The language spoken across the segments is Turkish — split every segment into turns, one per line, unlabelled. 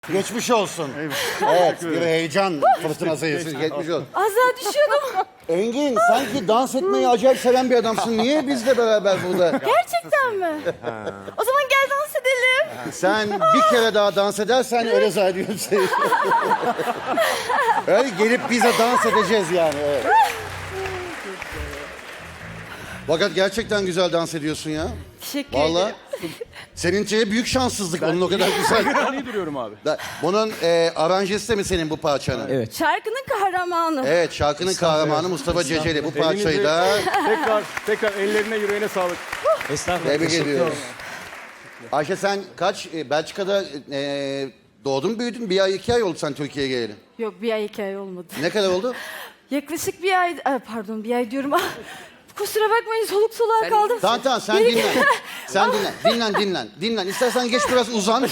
Geçmiş olsun. Evet, bir heyecan fırtınası geçmiş olsun.
Az daha düşüyordum.
Engin, sanki dans etmeyi acayip seven bir adamsın. Niye bizle beraber burada?
Gerçekten mi? O zaman gel dans edelim.
Sen bir kere daha dans edersen öyle zannediyorum seni. Öyle gelip bize dans edeceğiz yani. Evet. Fakat gerçekten güzel dans ediyorsun ya.
Teşekkür
Vallahi.
ederim.
Seninki büyük şanssızlık. Onun o kadar güzel.
Ben iyi duruyorum abi.
Bunun aranjesi de mi senin bu parçanın?
Evet.
Şarkının kahramanı.
Evet, şarkının kahramanı Mustafa Ceceli. Bu parçayı da
tekrar ellerine yüreğine sağlık.
Estağfurullah.
tebrik ediyoruz. Ayşe sen kaç, Belçika'da doğdun büyüdün, bir ay 2 ay oldu sen Türkiye'ye geleli.
Yok, bir ay 2 ay olmadı.
Ne kadar oldu?
Yaklaşık bir ay, pardon bir ay diyorum. Kusura bakmayın, soluk soluğa kaldım.
Tamam sen dinlen. Sen dinlen. İstersen geç biraz uzan.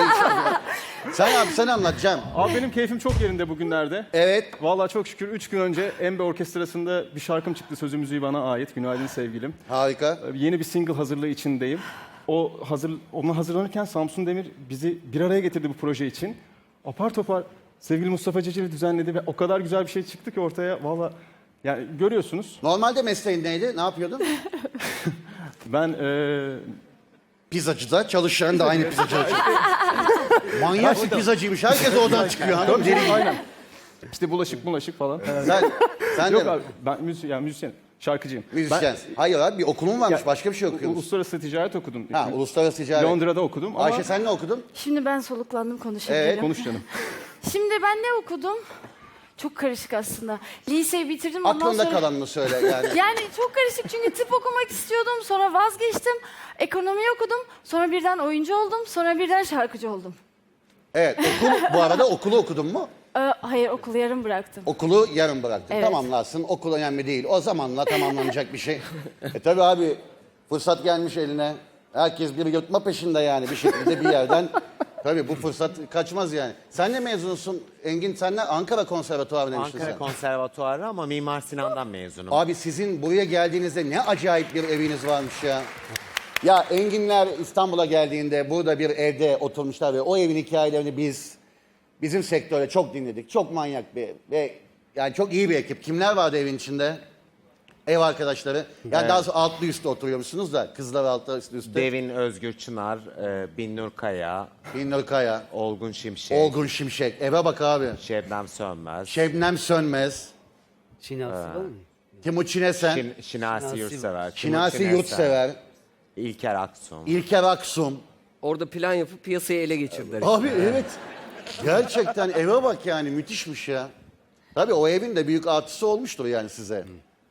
Sen anlat Cem.
Abi benim keyfim çok yerinde bugünlerde.
Evet.
Vallahi çok şükür 3 gün önce Embe Orkestrası'nda bir şarkım çıktı. Sözü müziği bana ait. Günaydın sevgilim.
Harika.
Yeni bir single hazırlığı içindeyim. Ona hazırlanırken Samsun Demir bizi bir araya getirdi bu proje için. Apar topar sevgili Mustafa Ceceli düzenledi ve o kadar güzel bir şey çıktı ki ortaya. Vallahi yani görüyorsunuz.
Normalde mesleğin neydi? Ne yapıyordun?
Ben
Pizzacıda çalışan da aynı pizzacıda çalışıyor. Manyak bir pizzacıymış. Herkes oradan çıkıyor. Hanım deli.
aynen. İşte bulaşık falan.
Sen
Yok
de
abi ben müzisyenim, şarkıcıyım.
müzisyen. Hayır abi bir okulun varmış. Başka bir şey okuyor musun?
Uluslararası ticaret okudum.
Ha, uluslararası ticaret.
Londra'da okudum ama...
Ayşe sen ne okudun?
Şimdi ben soluklandım, konuşabilirim.
Evet,
Konuş canım.
Şimdi ben ne okudum? Çok karışık aslında. Liseyi bitirdim, ondan
Aklında
sonra...
kalanını söyle yani.
Yani çok karışık çünkü tıp okumak istiyordum, sonra vazgeçtim. Ekonomi okudum, sonra birden oyuncu oldum, sonra birden şarkıcı oldum.
Evet, bu arada okulu okudun mu?
Hayır, okulu yarım bıraktım.
Okulu yarım bıraktın.
Evet.
Tamamlarsın. Okul önemli değil. O zamanla tamamlanacak bir şey. Tabii abi fırsat gelmiş eline. Herkes bir yırtma peşinde yani bir şekilde bir yerden. Tabii bu fırsat kaçmaz yani. Sen ne mezunsun Engin? Sen ne? Ankara Konservatuvarı demiştin
Ankara
sen.
Konservatuarı ama Mimar Sinan'dan mezunum.
Abi sizin buraya geldiğinizde ne acayip bir eviniz varmış ya. Ya Enginler İstanbul'a geldiğinde burada bir evde oturmuşlar ve o evin hikayelerini bizim sektörde çok dinledik. Çok manyak bir ev ve yani çok iyi bir ekip. Kimler vardı evin içinde? Ev arkadaşları. Yani
Evet.
daha sonra altlı üstte oturuyormuşsunuz da kızlar altlı üstte.
Devin Özgür Çınar, Binnur Kaya,
Binnur Kaya,
Olgun Şimşek,
Olgun Şimşek. Eve bak abi.
Şebnem Sönmez,
Şebnem Sönmez,
Şinasi var mı?
Timuçin Esen,
Şinasi Yurtsever,
Şinasi
Timuçin
Yurtsever,
Esen, İlker Aksun.
İlker Aksum.
Orada plan yapıp piyasayı ele geçirdiler.
Abi evet. Gerçekten eve bak yani müthişmiş ya. Tabii o evin de büyük artısı olmuştur yani size.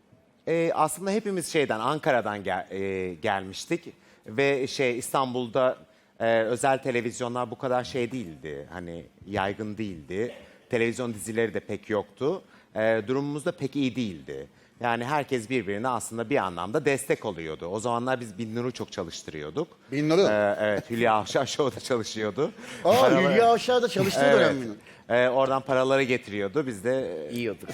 Aslında hepimiz Ankara'dan gelmiştik ve İstanbul'da özel televizyonlar bu kadar değildi. Hani yaygın değildi. Televizyon dizileri de pek yoktu. Durumumuz da pek iyi değildi. Yani herkes birbirine aslında bir anlamda destek oluyordu. O zamanlar biz Binnur'u çok çalıştırıyorduk.
Binnur'u?
Evet, Hülya Avşar Show'da çalışıyordu.
Aa Hülya Avşar'da çalıştığı dönem mi?
Oradan paraları getiriyordu. Biz de
Yiyorduk.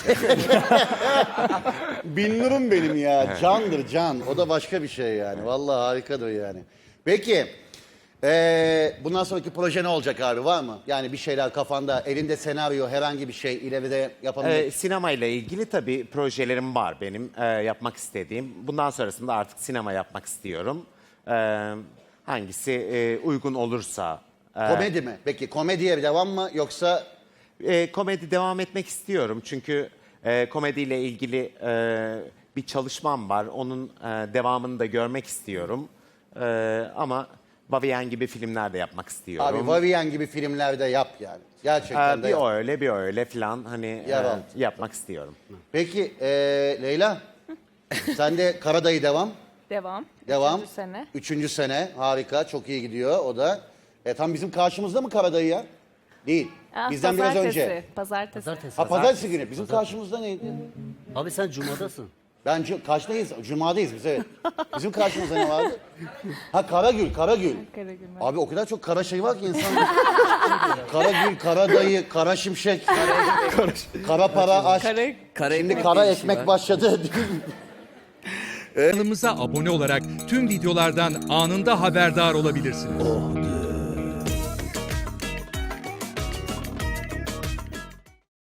Binnur'um benim ya. Candır can. O da başka bir şey yani. Vallahi harikadır yani. Peki. Bundan sonraki proje ne olacak abi? Var mı? Yani bir şeyler kafanda, elinde senaryo, herhangi bir şey ileride yapabilecek.
Sinema ile ilgili tabii projelerim var benim yapmak istediğim. Bundan sonrasında artık sinema yapmak istiyorum. Hangisi uygun olursa.
Komedi mi? Peki komediye devam mı yoksa
Komedi devam etmek istiyorum çünkü komediyle ilgili bir çalışmam var. Onun devamını da görmek istiyorum. Ama Vavien gibi filmler de yapmak istiyorum.
abi Vavien gibi filmlerde yap yani. Gerçekten de
Bir
yap.
o öyle bir öyle falan hani
Yer al.
yapmak istiyorum.
Peki Leyla sen de Karadayı devam.
Devam.
Devam.
3. sene.
3. sene harika çok iyi gidiyor o da. Tam bizim karşımızda mı Karadayı ya? Değil. Bizden biraz önce.
Pazartesi.
Ha pazartesi günü. Bizim karşımızda neydi?
Abi sen Cuma'dasın.
Ben kaçtayız? Cuma'dayız biz evet. Bizim karşımızda ne vardı? Ha Karagül.
Karagül.
Abi o kadar çok kara şey var ki insan. Karagül, Karadayı, Kara Şimşek, Kara Para, Aşk.
Kara
Şimdi
ekmek
Kara
diye bir şey
Ekmek
var.
başladı.
Kanalımıza abone olarak tüm videolardan anında haberdar olabilirsiniz.